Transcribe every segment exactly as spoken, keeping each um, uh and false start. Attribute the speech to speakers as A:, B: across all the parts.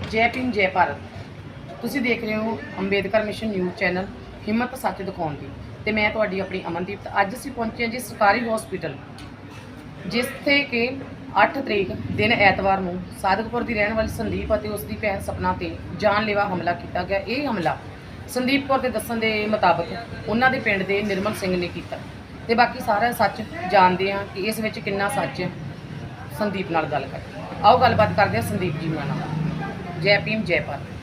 A: ਜੈ ਭੀਮ ਜੈ ਭਾਰਤ। ਤੁਸੀਂ ਦੇਖ ਰਹੇ ਹੋ ਅੰਬੇਦਕਰ ਮਿਸ਼ਨ ਨਿਊਜ਼ ਚੈਨਲ ਹਿੰਮਤ ਸੱਚ ਦਿਖਾਉਣ ਦੀ, ਤੇ ਮੈਂ ਤੁਹਾਡੀ ਆਪਣੀ ਅਮਨਦੀਪ। ਅੱਜ ਅਸੀਂ ਪਹੁੰਚੇ ਹਾਂ ਜੀ ਸਰਕਾਰੀ ਹਸਪੀਟਲ, ਜਿੱਥੇ ਕਿ ਅੱਠ ਤਰੀਕ ਦਿਨ ਐਤਵਾਰ ਨੂੰ ਸਾਦਿਕਪੁਰ ਦੀ ਰਹਿਣ ਵਾਲੀ ਸੰਦੀਪ ਅਤੇ ਉਸ ਦੀ ਭੈਣ ਸਪਨਾ ਤੇ ਜਾਨਲੇਵਾ ਹਮਲਾ ਕੀਤਾ ਗਿਆ। ਇਹ ਹਮਲਾ ਸੰਦੀਪ ਕੌਰ ਦੇ ਦੱਸਣ ਦੇ ਮੁਤਾਬਕ ਉਹਨਾਂ ਦੇ ਪਿੰਡ ਦੇ ਨਿਰਮਲ ਸਿੰਘ ਨੇ ਕੀਤਾ, ਤੇ ਬਾਕੀ ਸਾਰਾ ਸੱਚ ਜਾਣਦੇ ਹਾਂ ਕਿ ਇਸ ਵਿੱਚ ਕਿੰਨਾ ਸੱਚ ਹੈ। ਸੰਦੀਪ ਨਾਲ ਗੱਲ ਕਰਦੇ, ਆਓ ਗੱਲਬਾਤ ਕਰਦੇ ਹਾਂ ਸੰਦੀਪ ਜੀ ਨਾਲ। ਜੈ ਭੀਮ ਜੈ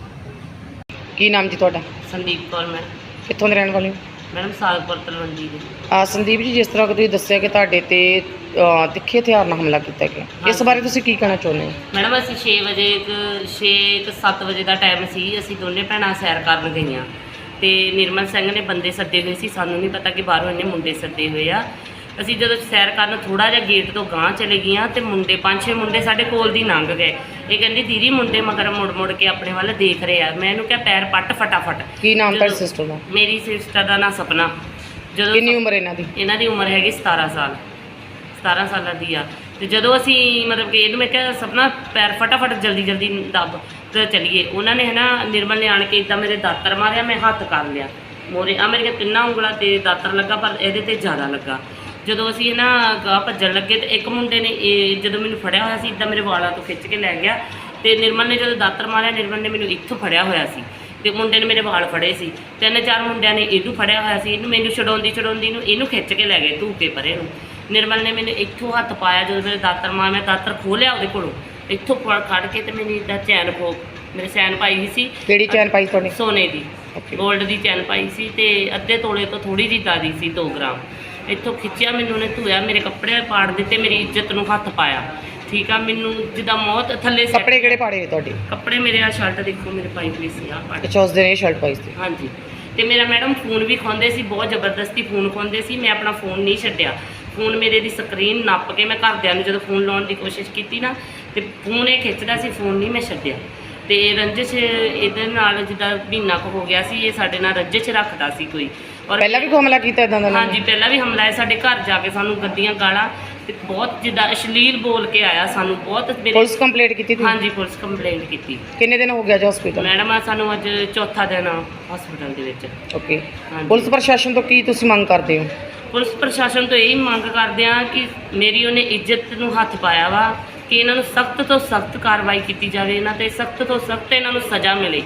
A: ਭਾਰਤ। ਕੀ ਨਾਮ ਜੀ ਤੁਹਾਡਾ?
B: ਸੰਦੀਪ ਕੌਰ ਮੈਡਮ।
A: ਕਿੱਥੋਂ ਦੇ ਰਹਿਣ ਵਾਲੇ ਹੋ?
B: ਮੈਡਮ ਸਾਦਿਕਪੁਰ ਤਲਵੰਡੀ ਦੇ।
A: ਆ ਸੰਦੀਪ ਜੀ, ਜਿਸ ਤਰ੍ਹਾਂ ਕਿ ਤੁਸੀਂ ਦੱਸਿਆ ਕਿ ਤੁਹਾਡੇ ਤੇ ਅ, ਤਿੱਖੇ ਹਥਿਆਰ ਨਾਲ ਹਮਲਾ ਕੀਤਾ ਗਿਆ, ਇਸ ਬਾਰੇ ਤੁਸੀਂ ਕੀ ਕਹਿਣਾ ਚਾਹੁੰਦੇ ਹੋ?
B: ਮੈਡਮ ਅਸੀਂ ਛੇ ਵਜੇ ਇੱਕ ਛੇ ਇੱਕ ਸੱਤ ਵਜੇ ਦਾ ਟਾਈਮ ਸੀ। ਅਸੀਂ ਦੋਨੇ ਭੈਣਾਂ ਸੈਰ ਕਰਨ ਗਈਆਂ ਤੇ ਨਿਰਮਲ ਸਿੰਘ ਨੇ ਬੰਦੇ ਸੱਦੇ ਹੋਏ ਸੀ। ਸਾਨੂੰ ਨਹੀਂ ਪਤਾ ਕਿ ਬਾਹਰੋਂ ਇਹਨੇ ਮੁੰਡੇ ਸੱਦੇ ਹੋਏ ਆ। ਅਸੀਂ ਜਦੋਂ ਸੈਰ ਕਰਨ ਥੋੜ੍ਹਾ ਜਿਹਾ ਗੇਟ ਤੋਂ ਗਾਂਹ ਚਲੇ ਗਈਆਂ ਤੇ ਮੁੰਡੇ ਪੰਜ ਛੇ ਮੁੰਡੇ ਸਾਡੇ ਕੋਲ ਦੀ ਲੰਘ ਗਏ। ਇਹ ਕਹਿੰਦੀ ਦੀਦੀ ਮੁੰਡੇ ਮਗਰ ਮੁੜ ਮੁੜ ਕੇ ਆਪਣੇ ਵੱਲ ਦੇਖ ਰਹੇ ਆ। ਮੈਂ ਇਹਨੂੰ ਕਿਹਾ ਪੈਰ ਪੱਟ ਫਟਾਫਟ।
A: ਕੀ ਨਾਮ ਤੁਹਾਡੀ ਸਿਸਟਰ ਦਾ?
B: ਮੇਰੀ ਸਿਸਟਰ ਦਾ ਨਾਂ ਸਪਨਾ। ਜਦੋਂ
A: ਕਿੰਨੀ ਉਮਰ ਇਹਨਾਂ ਦੀ?
B: ਇਹਨਾਂ ਦੀ ਉਮਰ ਹੈਗੀ ਸਤਾਰਾਂ ਸਾਲ ਸਤਾਰਾਂ ਸਾਲਾਂ ਦੀ ਆ। ਤੇ ਜਦੋਂ ਅਸੀਂ ਮਤਲਬ ਕਿ ਇਹਨੂੰ ਮੈਂ ਕਿਹਾ ਸਪਨਾ ਪੈਰ ਫਟਾਫਟ ਜਲਦੀ ਜਲਦੀ ਦੱਬ ਤੇ ਚਲੀਏ। ਉਹਨਾਂ ਨੇ ਹੈ ਨਾ ਨਿਰਮਲ ਨੇ ਆਣ ਕੇ ਇੱਦਾਂ ਮੇਰੇ ਦਾਤਰ ਮਾਰਿਆ। ਮੈਂ ਹੱਥ ਕਰ ਲਿਆ ਮੋਰੇ ਆ ਮੇਰੀਆਂ ਤਿੰਨਾਂ ਉਂਗਲਾਂ ਤੇ ਦਾਤਰ ਲੱਗਾ, ਪਰ ਇਹਦੇ ਤੇ ਜ਼ਿਆਦਾ ਲੱਗਾ। ਜਦੋਂ ਅਸੀਂ ਇਹ ਨਾ ਗਾਹ ਭੱਜਣ ਲੱਗੇ ਤੇ ਇੱਕ ਮੁੰਡੇ ਨੇ ਇਹ ਜਦੋਂ ਮੈਨੂੰ ਫੜਿਆ ਹੋਇਆ ਸੀ ਇੱਦਾਂ ਮੇਰੇ ਵਾਲਾਂ ਤੋਂ ਖਿੱਚ ਕੇ ਲੈ ਗਿਆ। ਤੇ ਨਿਰਮਲ ਨੇ ਜਦੋਂ ਦਾਤਰ ਮਾਰਿਆ, ਨਿਰਮਲ ਨੇ ਮੈਨੂੰ ਇੱਥੋਂ ਫੜਿਆ ਹੋਇਆ ਸੀ ਤੇ ਮੁੰਡੇ ਨੇ ਮੇਰੇ ਵਾਲ ਫੜੇ ਸੀ। ਤਿੰਨ ਚਾਰ ਮੁੰਡਿਆਂ ਨੇ ਇਹਨੂੰ ਫੜਿਆ ਹੋਇਆ ਸੀ। ਇਹਨੂੰ ਮੈਨੂੰ ਛਡਾਉਂਦੀ ਛਡਾਉਂਦੀ ਨੂੰ ਇਹਨੂੰ ਖਿੱਚ ਕੇ ਲੈ ਗਏ ਧੂਕੇ ਪਰੇ ਨੂੰ। ਨਿਰਮਲ ਨੇ ਮੈਨੂੰ ਇੱਥੋਂ ਹੱਥ ਪਾਇਆ। ਜਦੋਂ ਮੇਰੇ ਦਾਤਰ ਮਾਰ ਮੈਂ ਦਾਤਰ ਖੋਹ ਲਿਆ ਉਹਦੇ ਕੋਲੋਂ, ਇੱਥੋਂ ਫੜ ਕੱਢ ਕੇ ਤੇ ਮੈਨੂੰ ਇੱਦਾਂ ਚੈਨ ਖੋ ਮੇਰੇ ਚੈਨ ਪਾਈ ਹੋਈ ਸੀ।
A: ਕਿਹੜੀ ਚੈਨ ਪਾਈ ਤੁਹਾਡੀ?
B: ਸੋਨੇ ਦੀ, ਗੋਲਡ ਦੀ ਚੈਨ ਪਾਈ ਸੀ ਤੇ ਅੱਧੇ ਤੋਲੇ ਤੋਂ ਥੋੜ੍ਹੀ ਜਿਹੀ ਜ਼ਿਆਦਾ ਸੀ, ਦੋ ਗ੍ਰਾਮ। ਇੱਥੋਂ ਖਿੱਚਿਆ, ਮੈਨੂੰ ਉਹਨੇ ਧੋਇਆ, ਮੇਰੇ ਕੱਪੜੇ ਪਾੜ ਦਿੱਤੇ, ਮੇਰੀ ਇੱਜ਼ਤ ਨੂੰ ਹੱਥ ਪਾਇਆ। ਠੀਕ ਆ, ਮੈਨੂੰ ਜਿੱਦਾਂ ਮੌਤ ਥੱਲੇ।
A: ਕੱਪੜੇ ਕਿਹੜੇ ਪਾੜੇ ਨੇ ਤੁਹਾਡੇ?
B: ਕੱਪੜੇ ਮੇਰੇ ਆ ਸ਼ਰਟ ਦੇਖੋ ਮੇਰੇ ਪਾਈ ਹੋਈ ਸੀ ਆ ਪਾੜ।
A: ਅੱਛਾ, ਉਸ ਦਿਨ ਇਹ ਸ਼ਰਟ ਪਾਈ ਸੀ?
B: ਹਾਂਜੀ। ਤੇ ਮੇਰਾ ਮੈਡਮ ਫੋਨ ਵੀ ਖੋਂਦੇ ਸੀ, ਬਹੁਤ ਜ਼ਬਰਦਸਤੀ ਫੋਨ ਖੋਂਦੇ ਸੀ। ਮੈਂ ਆਪਣਾ ਫੋਨ ਨਹੀਂ ਛੱਡਿਆ। ਫੋਨ ਮੇਰੇ ਦੀ ਸਕਰੀਨ ਨੱਪ ਕੇ ਮੈਂ ਘਰਦਿਆਂ ਨੂੰ ਜਦੋਂ ਫੋਨ ਲਾਉਣ ਦੀ ਕੋਸ਼ਿਸ਼ ਕੀਤੀ ਨਾ ਤੇ ਫੋਨ ਇਹ ਖਿੱਚਦਾ ਸੀ, ਫੋਨ ਨਹੀਂ ਮੈਂ ਛੱਡਿਆ। ਤੇ ਰੰਜਿਸ਼ ਇਹਦੇ ਨਾਲ ਜਿੱਦਾਂ ਮਹੀਨਾ ਕੁ ਹੋ ਗਿਆ ਸੀ, ਇਹ ਸਾਡੇ ਨਾਲ ਰੰਜਿਸ਼ ਰੱਖਦਾ ਸੀ ਕੋਈ। ਔਰ
A: ਪਹਿਲਾਂ ਵੀ ਕੋਈ ਹਮਲਾ ਕੀਤਾ ਇਦਾਂ ਦਾ?
B: ਹਾਂਜੀ, ਪਹਿਲਾਂ ਵੀ ਹਮਲਾ ਹੈ। ਸਾਡੇ ਘਰ ਜਾ ਕੇ ਸਾਨੂੰ ਗੱਡੀਆਂ ਗਾਲਾਂ ਤੇ ਬਹੁਤ ਜਿੱਦਾਂ ਅਸ਼ਲੀਲ ਬੋਲ ਕੇ ਆਇਆ ਸਾਨੂੰ ਬਹੁਤ।
A: ਪੁਲਿਸ ਕੰਪਲੇਂਟ ਕੀਤੀ ਤੁਸੀਂ?
B: ਹਾਂਜੀ, ਪੁਲਿਸ ਕੰਪਲੇਂਟ ਕੀਤੀ।
A: ਕਿੰਨੇ ਦਿਨ ਹੋ ਗਿਆ ਜੀ ਹਸਪੀਟਲ?
B: ਮੈਡਮ ਆ ਸਾਨੂੰ ਅੱਜ ਚੌਥਾ ਦਿਨ ਹਸਪੀਟਲ ਦੇ ਵਿੱਚ।
A: ਓਕੇ। ਪੁਲਿਸ ਪ੍ਰਸ਼ਾਸਨ ਤੋਂ ਕੀ ਤੁਸੀਂ ਮੰਗ ਕਰਦੇ ਹੋ?
B: ਪੁਲਿਸ ਪ੍ਰਸ਼ਾਸਨ ਤੋਂ ਇਹੀ ਮੰਗ ਕਰਦੇ ਆ ਕਿ ਮੇਰੀ ਉਹਨੇ ਇੱਜ਼ਤ ਨੂੰ ਹੱਥ ਪਾਇਆ ਵਾ, ਕਿ ਇਹਨਾਂ ਨੂੰ ਸਖਤ ਤੋਂ ਸਖਤ ਕਾਰਵਾਈ ਕੀਤੀ ਜਾਵੇ, ਇਹਨਾਂ ਤੇ ਸਖਤ ਤੋਂ ਸਖਤ ਇਹਨਾਂ ਨੂੰ ਸਜ਼ਾ ਮਿਲੇ।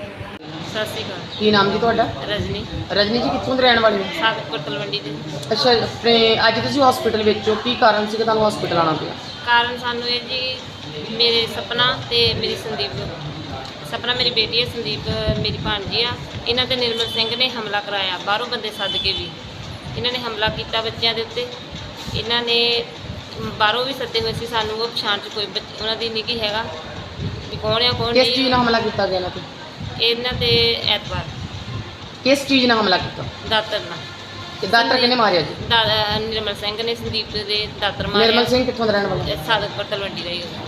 B: ਸਤਿ ਸ਼੍ਰੀ ਅਕਾਲ।
A: ਕੀ ਨਾਮ ਜੀ ਤੁਹਾਡਾ?
B: ਰਜਨੀ।
A: ਰਜਨੀ ਜੀ, ਕਿੱਥੋਂ ਦੇ ਰਹਿਣ ਵਾਲੇ ਹੋ?
B: ਸਾਦਿਕਪੁਰ ਤਲਵੰਡੀ ਦੇ।
A: ਅੱਛਾ, ਆਪਣੇ ਅੱਜ ਤੁਸੀਂ ਹਸਪੀਟਲ ਵਿੱਚ ਹੋ, ਕੀ ਕਾਰਨ ਸੀ ਕਿ ਤੁਹਾਨੂੰ ਹਸਪੀਟਲ ਆਉਣਾ ਪਿਆ?
C: ਕਾਰਨ ਸਾਨੂੰ ਇਹ ਜੀ ਮੇਰੇ ਸਪਨਾ ਤੇ ਮੇਰੀ ਸੰਦੀਪ। ਸਪਨਾ ਮੇਰੀ ਬੇਟੀ ਹੈ, ਸੰਦੀਪ ਮੇਰੀ ਭਾਣਜੀ ਆ। ਇਹਨਾਂ ਤੇ ਨਿਰਮਲ ਸਿੰਘ ਨੇ ਹਮਲਾ ਕਰਾਇਆ, ਬਾਹਰੋਂ ਬੰਦੇ ਸੱਦ ਕੇ ਵੀ ਇਹਨਾਂ ਨੇ ਹਮਲਾ ਕੀਤਾ ਬੱਚਿਆਂ ਦੇ ਉੱਤੇ। ਇਹਨਾਂ ਨੇ ਬਾਹਰੋਂ ਵੀ ਸੱਦੇ ਹੋਏ ਸੀ ਸਾਨੂੰ, ਉਹ ਪਛਾਣ 'ਚ ਕੋਈ ਬੱਚ ਉਹਨਾਂ ਦੀ ਨਹੀਂ ਹੈਗਾ ਵੀ ਕੌਣ ਆ ਕੌਣ
A: ਕਿਸ
C: ਨਹੀਂ।
A: ਚੀਜ਼ ਨਾਲ ਹਮਲਾ ਕੀਤਾ ਗਿਆ ਇਹਨਾਂ ਤੇ?
C: ਇਹਨਾਂ ਤੇ ਐਤਵਾਰ
A: ਕਿਸ ਚੀਜ਼ ਨਾਲ ਹਮਲਾ ਕੀਤਾ?
C: ਦਾਤਰ ਨਾਲ।
A: ਤੇ ਦਾਤਰ ਕਿਹਨੇ ਮਾਰਿਆ ਜੀ?
C: ਦਾ ਨਿਰਮਲ ਸਿੰਘ ਨੇ ਸੰਦੀਪ ਦੇ ਦਾਤਰ ਮਾਰਿਆ।
A: ਨਿਰਮਲ ਸਿੰਘ ਕਿੱਥੋਂ ਦਾ ਰਹਿਣ ਵਾਲਾ?
C: ਸਾਦਿਕਪੁਰ ਤਲਵੰਡੀ ਦਾ ਹੀ ਉਹ।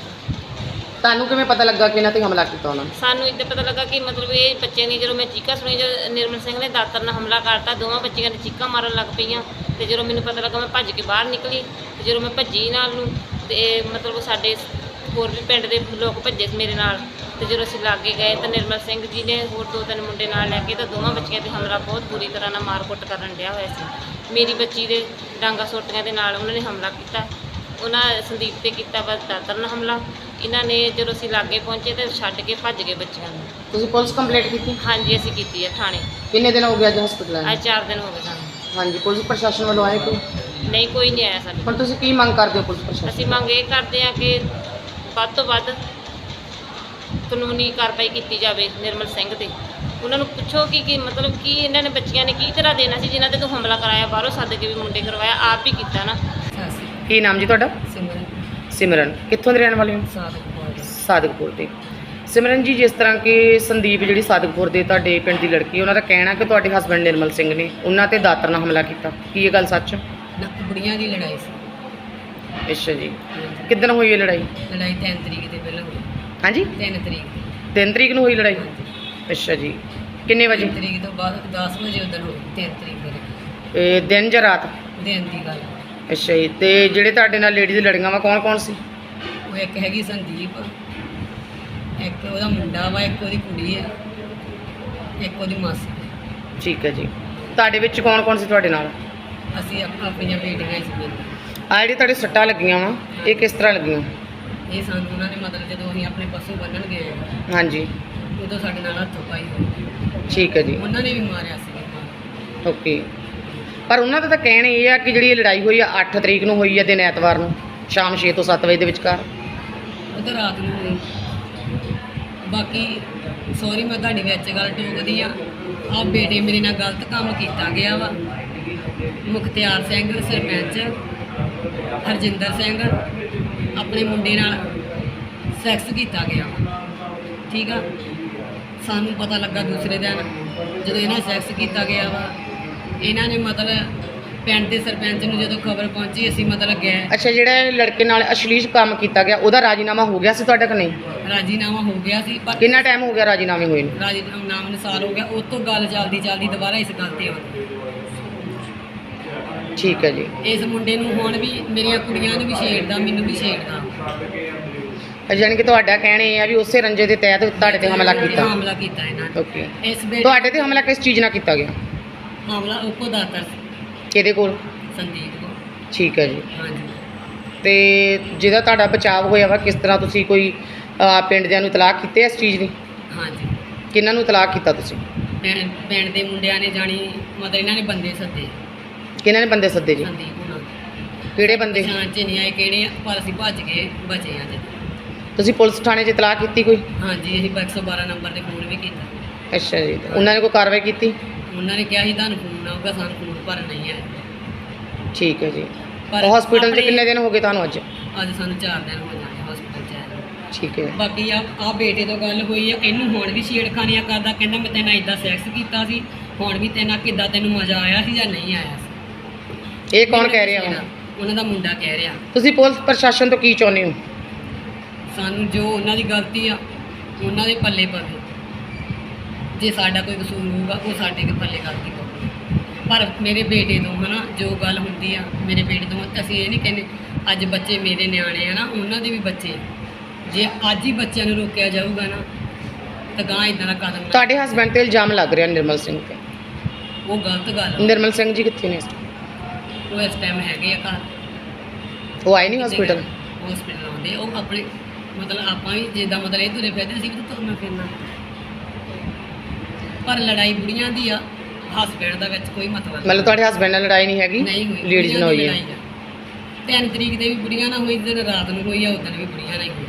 A: ਤੁਹਾਨੂੰ ਕਿਵੇਂ ਪਤਾ ਲੱਗਾ ਕਿ ਇਹਨਾਂ ਤੇ ਹਮਲਾ ਕੀਤਾ ਉਹਨਾਂ ਨੇ?
C: ਸਾਨੂੰ ਇੱਦਾਂ ਪਤਾ ਲੱਗਾ ਕਿ ਮਤਲਬ ਇਹ ਬੱਚਿਆਂ ਦੀ ਜਦੋਂ ਮੈਂ ਚੀਕਾਂ ਸੁਣੀ, ਜਦੋਂ ਨਿਰਮਲ ਸਿੰਘ ਨੇ ਦਾਤਰ ਨਾਲ ਹਮਲਾ ਕਰਤਾ, ਦੋਵਾਂ ਬੱਚੀਆਂ ਨੇ ਚੀਕਾਂ ਮਾਰਨ ਲੱਗ ਪਈਆਂ। ਤੇ ਜਦੋਂ ਮੈਨੂੰ ਪਤਾ ਲੱਗਾ ਮੈਂ ਭੱਜ ਕੇ ਬਾਹਰ ਨਿਕਲੀ। ਤੇ ਜਦੋਂ ਮੈਂ ਭੱਜੀ ਨਾਲ ਨੂੰ ਤੇ ਮਤਲਬ ਸਾਡੇ ਹੋਰ ਵੀ ਪਿੰਡ ਦੇ ਲੋਕ ਭੱਜੇ ਮੇਰੇ ਨਾਲ। ਤੇ ਜਦੋਂ ਅਸੀਂ ਲਾਗੇ ਗਏ ਤਾਂ ਨਿਰਮਲ ਸਿੰਘ ਜੀ ਨੇ ਹੋਰ ਦੋ ਤਿੰਨ ਮੁੰਡੇ ਨਾਲ ਲੈ ਕੇ ਤਾਂ ਦੋਵਾਂ ਬੱਚੀਆਂ 'ਤੇ ਹਮਲਾ ਬਹੁਤ ਬੁਰੀ ਤਰ੍ਹਾਂ ਨਾਲ ਮਾਰ ਕੁੱਟ ਕਰਨ ਡਿਆ ਹੋਇਆ ਸੀ। ਮੇਰੀ ਬੱਚੀ ਦੇ ਡਾਂਗਾ ਸੋਟੀਆਂ ਦੇ ਨਾਲ ਉਹਨਾਂ ਨੇ ਹਮਲਾ ਕੀਤਾ। ਉਹਨਾਂ ਸੰਦੀਪ 'ਤੇ ਕੀਤਾ ਬਸ ਦਾਤਰ ਨਾਲ ਹਮਲਾ। ਇਹਨਾਂ ਨੇ ਜਦੋਂ ਅਸੀਂ ਲਾਗੇ ਪਹੁੰਚੇ ਤਾਂ ਛੱਡ ਕੇ ਭੱਜ ਗਏ ਬੱਚਿਆਂ ਨੂੰ।
A: ਤੁਸੀਂ ਪੁਲਿਸ ਕੰਪਲੇਂਟ ਕੀਤੀ?
C: ਹਾਂਜੀ, ਅਸੀਂ ਕੀਤੀ ਹੈ ਥਾਣੇ।
A: ਕਿੰਨੇ ਦਿਨ ਹੋ ਗਏ ਅੱਜ ਹਸਪੀਟਲ ਆਏ?
C: ਅੱਜ ਚਾਰ ਦਿਨ ਹੋ ਗਏ ਸਾਨੂੰ।
A: ਹਾਂਜੀ, ਪੁਲਿਸ ਪ੍ਰਸ਼ਾਸਨ ਵੱਲੋਂ ਆਏ ਕੋਈ?
C: ਨਹੀਂ, ਕੋਈ ਨਹੀਂ ਆਇਆ ਸਾਡੇ।
A: ਹੁਣ ਤੁਸੀਂ ਕੀ ਮੰਗ ਕਰਦੇ ਹੋ ਪੁਲਿਸ ਪ੍ਰਸ਼ਾਸਨ?
C: ਅਸੀਂ ਮੰਗ ਇਹ ਕਰਦੇ ਹਾਂ ਕਿ ਵੱਧ ਤੋਂ ਵੱਧ ਕਾਨੂੰਨੀ ਕਾਰਵਾਈ ਕੀਤੀ ਜਾਵੇ ਨਿਰਮਲ ਸਿੰਘ 'ਤੇ। ਉਹਨਾਂ ਨੂੰ ਪੁੱਛੋ ਕਿ ਕੀ ਮਤਲਬ ਕੀ ਇਹਨਾਂ ਨੇ ਬੱਚੀਆਂ ਨੇ ਕੀ ਤਰ੍ਹਾਂ ਦੇਣਾ ਸੀ ਜਿਨ੍ਹਾਂ 'ਤੇ ਤੂੰ ਹਮਲਾ ਕਰਾਇਆ, ਬਾਹਰੋਂ ਸੱਦ ਕੇ ਵੀ ਮੁੰਡੇ ਕਰਵਾਇਆ, ਆਪ ਹੀ ਕੀਤਾ ਨਾ।
A: ਕੀ ਨਾਮ ਜੀ ਤੁਹਾਡਾ?
B: ਸਿਮਰਨ।
A: ਸਿਮਰਨ, ਕਿੱਥੋਂ ਦੇ ਰਹਿਣ ਵਾਲੇ ਹੋ?
B: ਸਾਦਿਕਪੁਰ।
A: ਸਾਦਿਕਪੁਰ ਦੇ। ਸਿਮਰਨ ਜੀ, ਜਿਸ ਤਰ੍ਹਾਂ ਕਿ ਸੰਦੀਪ ਜਿਹੜੀ ਸਾਦਿਕਪੁਰ ਦੇ ਤੁਹਾਡੇ ਪਿੰਡ ਦੀ ਲੜਕੀ, ਉਹਨਾਂ ਦਾ ਕਹਿਣਾ ਕਿ ਤੁਹਾਡੇ ਹਸਬੈਂਡ ਨਿਰਮਲ ਸਿੰਘ ਨੇ ਉਹਨਾਂ ਤੇ ਦਾਤਰ ਨਾਲ ਹਮਲਾ ਕੀਤਾ, ਕੀ ਇਹ ਗੱਲ ਸੱਚ?
D: ਨਾ, ਬੁੜੀਆਂ ਦੀ ਲੜਾਈ ਸੀ।
A: ਅੱਛਾ ਜੀ, ਕਿੱਦਣ ਹੋਈ ਇਹ ਲੜਾਈ?
D: ਲੜਾਈ ਤਿੰਨ ਤਰੀਕ ਦੇ ਪਹਿਲਾਂ ਹੋਈ।
A: ਹਾਂਜੀ,
D: ਤਿੰਨ ਤਰੀਕ ਦੀ।
A: ਤਿੰਨ ਤਰੀਕ ਨੂੰ ਹੋਈ ਲੜਾਈ? ਅੱਛਾ ਜੀ, ਕਿੰਨੇ ਵਜੇ?
D: ਤਿੰਨ ਤਰੀਕ ਤੋਂ ਬਾਅਦ ਦਸ ਵਜੇ ਉਦੋਂ ਹੋਈ। ਤਿੰਨ ਤਰੀਕ ਦੇ
A: ਇਹ ਦਿਨ ਜਾਂ ਰਾਤ?
D: ਦਿਨ ਦੀ ਗੱਲ।
A: ਅੱਛਾ ਜੀ, ਤੇ ਜਿਹੜੇ ਤੁਹਾਡੇ ਨਾਲ ਲੇਡੀਜ਼ ਲੜੀਆਂ ਵਾ ਕੌਣ ਕੌਣ ਸੀ?
D: ਉਹ ਇੱਕ ਹੈਗੀ ਸੰਦੀਪ, ਇੱਕ ਉਹਦਾ ਮੁੰਡਾ ਵਾ, ਇੱਕ ਉਹਦੀ ਕੁੜੀ ਆ, ਇੱਕ ਉਹਦੀ ਮਾਸੀ।
A: ਠੀਕ ਹੈ ਜੀ। ਤੁਹਾਡੇ ਵਿੱਚ ਕੌਣ ਕੌਣ ਸੀ ਤੁਹਾਡੇ ਨਾਲ?
D: ਅਸੀਂ ਆਪ- ਆਪਣੀਆਂ ਬੇਟੀਆਂ ਹੀ ਸੀ।
A: ਆ ਜਿਹੜੀ ਤੁਹਾਡੇ ਸੱਟਾਂ ਲੱਗੀਆਂ ਵਾ ਇਹ ਕਿਸ ਤਰ੍ਹਾਂ ਲੱਗੀਆਂ?
D: ਇਹ ਸਾਨੂੰ ਉਹਨਾਂ ਨੇ ਮਤਲਬ ਜਦੋਂ ਅਸੀਂ ਆਪਣੇ ਪਸ਼ੂ ਬੰਨਣ ਗਏ
A: ਹਾਂਜੀ
D: ਉਦੋਂ ਸਾਡੇ ਨਾਲ ਹੱਥੋਂ ਪਾਈ ਹੋਈ।
A: ਠੀਕ ਹੈ ਜੀ।
D: ਉਹਨਾਂ ਨੇ ਵੀ ਮਾਰਿਆ ਸੀ।
A: ਓਕੇ। ਪਰ ਉਹਨਾਂ ਦਾ ਤਾਂ ਕਹਿਣਾ ਇਹ ਆ ਕਿ ਜਿਹੜੀ ਇਹ ਲੜਾਈ ਹੋਈ ਆ ਅੱਠ ਤਰੀਕ ਨੂੰ ਹੋਈ ਆ ਦਿਨ ਐਤਵਾਰ ਨੂੰ ਸ਼ਾਮ ਛੇ ਤੋਂ ਸੱਤ ਵਜੇ ਦੇ ਵਿਚਕਾਰ।
D: ਉਹ ਤਾਂ ਰਾਤ ਨੂੰ ਹੋਈ। ਬਾਕੀ ਸੌਰੀ ਮੈਂ ਤੁਹਾਡੀ ਵਿੱਚ ਗੱਲ ਟੋਕਦੀ ਆ। ਆਹ ਬੇਟੇ ਮੇਰੇ ਨਾਲ ਗਲਤ ਕੰਮ ਕੀਤਾ ਗਿਆ ਵਾ। ਮੁਖਤਿਆਰ ਸਿੰਘ ਸਰਪੰਚ, ਹਰਜਿੰਦਰ ਸਿੰਘ ਆਪਣੇ ਮੁੰਡੇ ਨਾਲ ਸੈਕਸ ਕੀਤਾ ਗਿਆ ਵਾ। ਠੀਕ ਆ। ਸਾਨੂੰ ਪਤਾ ਲੱਗਾ ਦੂਸਰੇ ਦਿਨ ਜਦੋਂ ਇਹਨਾਂ ਸੈਕਸ ਕੀਤਾ ਗਿਆ ਵਾ। ਇਹਨਾਂ ਨੇ ਮਤਲਬ ਪਿੰਡ ਦੇ ਸਰਪੰਚ ਨੂੰ ਜਦੋਂ ਖਬਰ ਪਹੁੰਚੀ ਅਸੀਂ ਮਤਲਬ ਗਏ।
A: ਅੱਛਾ, ਜਿਹੜਾ ਇਹ ਲੜਕੇ ਨਾਲ ਅਸ਼ਲੀਲ ਕੰਮ ਕੀਤਾ ਗਿਆ ਉਹਦਾ ਰਾਜੀਨਾਮਾ ਹੋ ਗਿਆ ਸੀ ਤੁਹਾਡੇ ਕੋਲ? ਨਹੀਂ।
D: ਰਾਜੀਨਾਮਾ ਹੋ ਗਿਆ ਸੀ ਪਰ
A: ਕਿੰਨਾ ਟਾਈਮ ਹੋ ਗਿਆ ਰਾਜੀਨਾਮੇ ਹੋਏ ਨੂੰ?
D: ਰਾਜੀਨਾਮਾ ਨੂੰ ਸਾਲ ਹੋ ਗਿਆ। ਉਸ ਤੋਂ ਗੱਲ ਚੱਲਦੀ ਚੱਲਦੀ ਦੁਬਾਰਾ ਇਸ ਗੱਲ ਤੇ ਆਉਂਦੀ।
A: ਠੀਕ ਹੈ ਜੀ।
D: ਇਸ ਮੁੰਡੇ ਨੂੰ ਹੁਣ ਵੀ ਮੇਰੀਆਂ ਕੁੜੀਆਂ ਨੂੰ ਵੀ ਛੇੜਦਾ, ਮੈਨੂੰ ਵੀ ਛੇੜਦਾ।
A: ਯਾਨੀ ਕਿ ਤੁਹਾਡਾ ਕਹਿਣਾ ਇਹ ਆ ਵੀ ਉਸੇ ਰੰਜੇ ਦੇ ਤਹਿਤ ਤੁਹਾਡੇ ਤੇ ਹਮਲਾ ਕੀਤਾ?
D: ਹਮਲਾ ਕੀਤਾ ਇਹਨਾਂ ਨੇ।
A: ਓਕੇ।
D: ਇਸ ਬੇਟੇ
A: ਤੁਹਾਡੇ ਤੇ ਹਮਲਾ ਕਿਸ ਚੀਜ਼ ਨਾਲ ਕੀਤਾ ਗਿਆ?
D: ਹਮਲਾ ਉਪੋ ਦਾਤਰ ਸੀ,
A: ਕਿਹਦੇ ਕੋਲ?
D: ਸੰਦੀਪ ਕੋ।
A: ਠੀਕ ਹੈ ਜੀ।
D: ਹਾਂਜੀ।
A: ਤੇ ਜਿਹਦਾ ਤੁਹਾਡਾ ਬਚਾਅ ਹੋਇਆ ਵਾ ਕਿਸ ਤਰ੍ਹਾਂ ਤੁਸੀਂ ਕੋਈ ਅਹ, ਪਿੰਡ ਦਿਆਂ ਨੂੰ ਤਲਾਕ ਕੀਤੇ ਇਸ ਚੀਜ਼ ਦੀ?
D: ਹਾਂਜੀ।
A: ਕਿਹਨਾਂ ਨੂੰ ਤਲਾਕ ਕੀਤਾ ਤੁਸੀਂ?
D: ਪਿੰਡ ਪਿੰਡ ਦੇ ਮੁੰਡਿਆਂ ਨੇ ਜਾਣੀ ਮਤਲਬ ਇਹਨਾਂ ਨੇ ਬੰਦੇ ਸੱਦੇ।
A: ਕਿਹਨਾਂ ਨੇ ਬੰਦੇ ਸੱਦੇ ਜੀ?
D: ਸੰਦੀਪ ਉਹਨਾਂ ਦੇ।
A: ਕਿਹੜੇ ਬੰਦੇ?
D: ਪਛਾਣ ਚ ਨਹੀਂ ਆਏ ਕਿਹੜੇ ਆ, ਪਰ ਅਸੀਂ ਭੱਜ ਕੇ ਬਚੇ ਹਾਂ ਜੀ।
A: ਤੁਸੀਂ ਪੁਲਿਸ ਥਾਣੇ 'ਚ ਤਲਾਕ ਕੀਤੀ ਕੋਈ?
D: ਹਾਂਜੀ, ਅਸੀਂ ਇੱਕ ਸੌ ਬਾਰਾਂ ਨੰਬਰ ਤੇ ਫੋਨ ਵੀ ਕੀਤਾ।
A: ਅੱਛਾ ਜੀ। ਤੇ ਉਹਨਾਂ ਨੇ ਕੋਈ ਕਾਰਵਾਈ ਕੀਤੀ?
D: ਉਹਨਾਂ ਨੇ ਕਿਹਾ ਸੀ ਤੁਹਾਨੂੰ ਫੋਨ ਆਊਗਾ, ਸਾਨੂੰ ਫੋਨ ਪਰ ਨਹੀਂ ਹੈ।
A: ਠੀਕ ਹੈ ਜੀ।
D: ਪਰ
A: ਹਸਪੀਟਲ 'ਚ
D: ਆਪਣੇ-
A: ਕਿੰਨੇ ਦਿਨ ਹੋ ਗਏ ਤੁਹਾਨੂੰ ਅੱਜ?
D: ਅੱਜ ਸਾਨੂੰ ਚਾਰ ਦਿਨ ਹੋ ਜਾਣੇ ਹਸਪੀਟਲ 'ਚ ਆਏ।
A: ਠੀਕ ਹੈ।
D: ਬਾਕੀ ਆ ਆ ਬੇਟੇ ਤੋਂ ਗੱਲ ਹੋਈ ਆ, ਇਹਨੂੰ ਹੁਣ ਵੀ ਛੇੜਖਾਨੀਆਂ ਕਰਦਾ। ਕਹਿੰਦਾ ਮੈਂ ਤੇਨਾਂ ਇਦਾਂ ਸੈਕਸ ਕੀਤਾ ਸੀ, ਹੁਣ ਵੀ ਤੇਨਾਂ ਕਿੱਦਾਂ ਤੈਨੂੰ ਮਜ਼ਾ ਆਇਆ ਸੀ ਜਾਂ ਨਹੀਂ ਆਇਆ ਸੀ।
A: ਇਹ ਕੌਣ ਕਹਿ ਰਿਹਾ ਵਾ?
D: ਉਹਨਾਂ ਦਾ ਮੁੰਡਾ ਕਹਿ ਰਿਹਾ।
A: ਤੁਸੀਂ ਪੁਲਿਸ ਪ੍ਰਸ਼ਾਸਨ ਤੋਂ ਕੀ ਚਾਹੁੰਦੇ ਹੋ?
D: ਸਾਨੂੰ ਜੋ ਉਹਨਾਂ ਦੀ ਗਲਤੀ ਆ ਉਹਨਾਂ ਦੇ ਪੱਲੇ ਪਵੇ। ਜੇ ਸਾਡਾ ਕੋਈ ਕਸੂਰ ਹੋਊਗਾ ਉਹ ਸਾਡੇ ਦੇ ਪੱਲੇ ਗਲਤੀ ਪਵੇ। ਪਰ ਮੇਰੇ ਬੇਟੇ ਤੋਂ ਹਨਾ ਜੋ ਗੱਲ ਹੁੰਦੀ ਆ ਮੇਰੇ ਬੇਟੇ ਤੋਂ, ਅਸੀਂ ਇਹ ਨਹੀਂ ਕਹਿੰਦੇ ਅੱਜ ਬੱਚੇ ਮੇਰੇ ਨਿਆਣੇ ਆ ਨਾ, ਉਹਨਾਂ ਦੇ ਵੀ ਬੱਚੇ। ਜੇ ਅੱਜ ਹੀ ਬੱਚਿਆਂ ਨੂੰ ਰੋਕਿਆ ਜਾਊਗਾ ਨਾ ਤਾਂ ਗਾਂ ਇਦਾਂ ਦਾ ਕਦਮ ਨਾ-
A: ਤੁਹਾਡੇ ਹਸਬੈਂਡ ਤੇ ਇਲਜ਼ਾਮ ਲੱਗ ਰਿਹਾ ਨਿਰਮਲ ਸਿੰਘ ਤੇ।
D: ਉਹ ਗਲਤ ਗੱਲ ਆ।
A: ਨਿਰਮਲ ਸਿੰਘ ਜੀ ਕਿੱਥੇ ਨੇ ਇਸ time?
D: ਉਹ ਇਸ ਟਾਈਮ ਹੈਗੇ ਆ ਘਰ।
A: ਉਹ ਆਏ ਨਹੀਂ ਹਸਪੀਟਲ?
D: ਹਸਪੀਟਲ ਆਉਂਦੇ ਉਹ ਆਪਣੇ ਮਤਲਬ ਆਪਾਂ ਵੀ ਜਿੱਦਾਂ ਮਤਲਬ ਇਹ ਤੁਰੇ ਫਿਰਦੇ ਸੀ ਵੀ ਤੁਰਨਾ ਫਿਰਨਾ। ਪਰ ਲੜਾਈ ਬੁੜੀਆਂ ਦੀ ਆ, ਹਸਬੈਂਡ ਦਾ ਵਿੱਚ ਕੋਈ ਮਤਲਬ ਨਹੀਂ।
A: ਮਤਲਬ ਤੁਹਾਡੇ ਹਸਬੈਂਡ ਨਾਲ ਲੜਾਈ ਨਹੀਂ ਹੈਗੀ?
D: ਨਹੀਂ ਹੋਈ।
A: ਲੇਡੀਜ਼ ਨਾਲ ਹੋਈ ਹੈ?
D: ਲੜਾਈ ਆ। ਤਿੰਨ ਤਰੀਕ ਦੇ ਵੀ ਬੁੜੀਆਂ ਨਾਲ ਹੋਈ, ਦਿਨ ਰਾਤ ਨੂੰ ਹੋਈ ਆ, ਉਦੋਂ ਵੀ ਬੁੜੀਆਂ ਨਾਲ ਹੀ ਹੋਈ।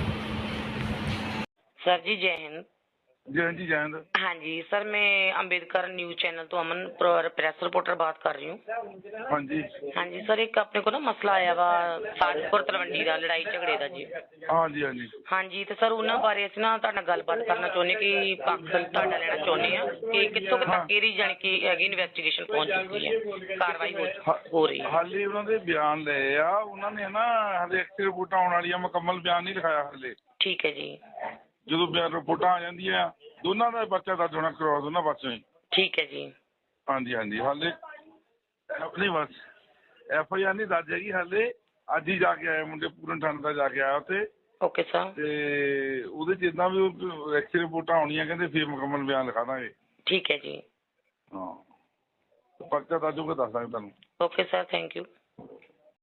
A: ਸਰ ਜੀ ਜੈ ਹਿੰਦ।
E: जय जी जय हिंद।
A: हाँ जी सर, मैं अम्बेडकर न्यूज चैनल तो अमन प्रेस रिपोर्टर बात कर रही हूँ।
E: हाँ जी
A: हाँ जी सर, एक अपने को ना मसला आया वा साजपुर तलवंडी का लड़ाई झगड़े का जी।
E: हाँ जी हाँ जी
A: हाँ जी, तो सर उन्होंने बारे ਅਸੀਂ ਨਾ ਤੁਹਾਡੇ ਨਾਲ ਗੱਲਬਾਤ ਕਰਨਾ ਚਾਹੁੰਦੇ ਕਿ ਪੱਖ ਤੁਹਾਡਾ ਲੈਣਾ ਚਾਹੁੰਦੇ ਆ ਕਿ ਕਿੱਥੋਂ ਕੁ ਤੱਕ ਇਹਦੀ ਜਾਣੀ ਕਿ ਹੈਗੀ ਇਨਵੈਸਟੀਗੇਸ਼ਨ ਪਹੁੰਚ ਚੁੱਕੀ ਹੈ, ਕਾਰਵਾਈ ਹੋ ਹੋ ਰਹੀ ਹੈ?
E: ਹਾਲੇ ਉਹਨਾਂ ਦੇ ਬਿਆਨ ਲਏ ਆ ਉਹਨਾਂ ਨੇ ਨਾ, ਹਾਲੇ ਐਕਟਿਵ ਰਿਪੋਰਟਾਂ ਆਉਣ ਵਾਲੀਆਂ, ਮੁਕੰਮਲ ਬਿਆਨ ਨਹੀਂ ਲਿਖਾਇਆ ਹਾਲੇ।
A: ਠੀਕ ਹੈ ਜੀ।
E: ਜਦੋਂ ਬਿਆਨ ਰਿਪੋਰਟਾਂ ਆ ਜਾਂਦੀਆਂ ਦੋਨਾਂ ਦਾ ਪਰਚਾ ਦਰਜ ਹੋਣਾ ਕਰਵਾ ਦੋਨਾਂ ਪਾਸਿਓਂ ਹੀ।
A: ਠੀਕ ਹੈ ਜੀ।
E: ਹਾਂਜੀ ਹਾਂਜੀ ਹਾਲੇ ਨਹੀਂ ਬਸ ਐਫ ਆਈ ਆਰ ਨਹੀਂ ਦਰਜ ਹੈਗੀ ਹਾਲੇ। ਅੱਜ ਹੀ ਜਾ ਕੇ ਆਏ ਮੁੰਡੇ, ਪੂਰਨ ਥਾਣੇ ਦਾ ਜਾ ਕੇ ਆਇਆ ਉੱਥੇ।
A: Okay sir.
E: ਤੇ ਉਹਦੇ 'ਚ ਜਿੱਦਾਂ ਵੀ ਐਕਟਿਵ ਰਿਪੋਰਟਾਂ ਆਉਣੀਆਂ ਕਹਿੰਦੇ ਫਿਰ ਮੁਕੰਮਲ ਬਿਆਨ ਲਿਖਾ ਦਾਂਗੇ।
A: ਠੀਕ ਹੈ ਜੀ।
E: ਹਾਂ ਪਰਚਾ ਦਰਜ ਹੋ ਕੇ ਦੱਸ ਦਾਂਗੇ ਤੁਹਾਨੂੰ।
A: Okay sir, thank you.